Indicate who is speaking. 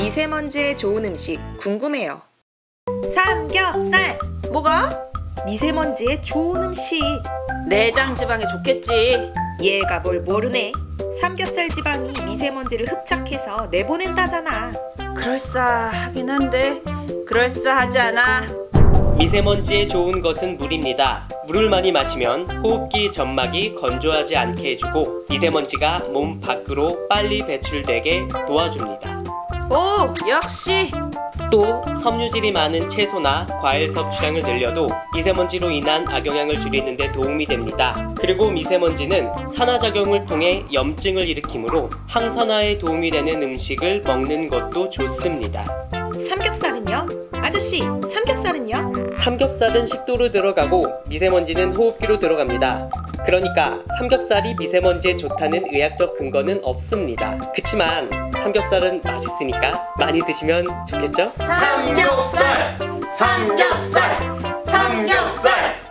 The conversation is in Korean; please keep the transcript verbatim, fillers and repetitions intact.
Speaker 1: 미세먼지에 좋은 음식 궁금해요. 삼겹살!
Speaker 2: 뭐가?
Speaker 1: 미세먼지에 좋은 음식.
Speaker 2: 내장 지방에 좋겠지.
Speaker 1: 얘가 뭘 모르네. 삼겹살 지방이 미세먼지를 흡착해서 내보낸다잖아.
Speaker 2: 그럴싸하긴 한데 그럴싸하지 않아.
Speaker 3: 미세먼지에 좋은 것은 물입니다. 물을 많이 마시면 호흡기 점막이 건조하지 않게 해주고 미세먼지가 몸 밖으로 빨리 배출되게 도와줍니다.
Speaker 2: 오, 역시.
Speaker 3: 또 섬유질이 많은 채소나 과일 섭취량을 늘려도 미세먼지로 인한 악영향을 줄이는 데 도움이 됩니다. 그리고 미세먼지는 산화작용을 통해 염증을 일으키므로 항산화에 도움이 되는 음식을 먹는 것도 좋습니다.
Speaker 1: 삼겹살은요? 아저씨, 삼겹살은요?
Speaker 3: 삼겹살은 식도로 들어가고 미세먼지는 호흡기로 들어갑니다. 그러니까 삼겹살이 미세먼지에 좋다는 의학적 근거는 없습니다. 그치만 삼겹살은 맛있으니까 많이 드시면 좋겠죠?
Speaker 2: 삼겹살! 삼겹살! 삼겹살!